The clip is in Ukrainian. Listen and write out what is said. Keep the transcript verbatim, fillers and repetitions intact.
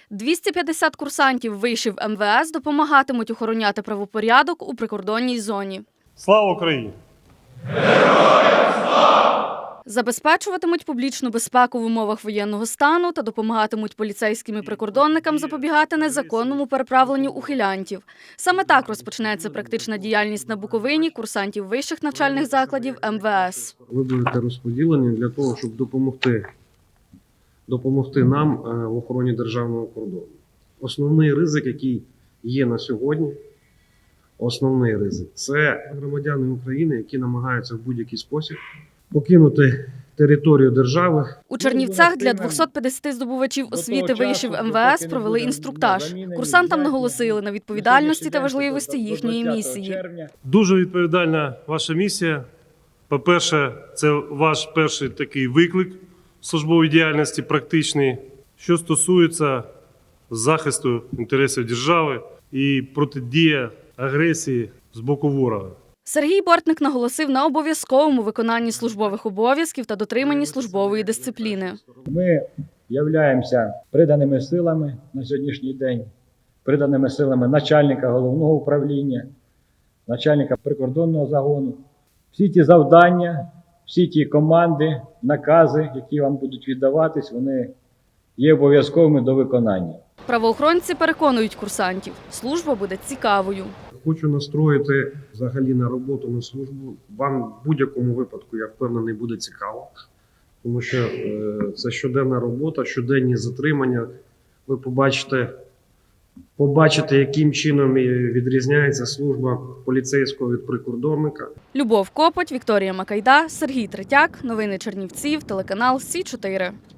двісті п'ятдесят курсантів вишів ем ве ес допомагатимуть охороняти правопорядок у прикордонній зоні. Слава Україні! Забезпечуватимуть публічну безпеку в умовах воєнного стану та допомагатимуть поліцейським і прикордонникам запобігати незаконному переправленню ухилянтів. Саме так розпочнеться практична діяльність на Буковині курсантів вищих навчальних закладів ем ве ес. Ви будете розподілені для того, щоб допомогти, допомогти нам в охороні державного кордону. Основний ризик, який є на сьогодні, основний ризик – це громадяни України, які намагаються в будь-який спосіб покинути територію держави. У Чернівцях для двохсот п'ятдесяти здобувачів освіти вишів ем ве ес провели інструктаж. Курсантам наголосили на відповідальності та важливості їхньої місії. Дуже відповідальна ваша місія. По-перше, це ваш перший такий виклик в службовій діяльності, практичний, що стосується захисту інтересів держави і протидія агресії з боку ворога. Сергій Бортник наголосив на обов'язковому виконанні службових обов'язків та дотриманні службової дисципліни. Ми являємося приданими силами на сьогоднішній день, приданими силами начальника головного управління, начальника прикордонного загону. Всі ті завдання, всі ті команди, накази, які вам будуть віддаватись, вони є обов'язковими до виконання. Правоохоронці переконують курсантів, служба буде цікавою. Хочу настроїти взагалі на роботу, на службу. Вам в будь-якому випадку, я впевнений, буде цікаво. Тому що е, це щоденна робота, щоденні затримання. Ви побачите, побачите, яким чином відрізняється служба поліцейського від прикордонника. Любов Копоть, Вікторія Макайда, Сергій Третяк. Новини Чернівців, телеканал Сі чотири.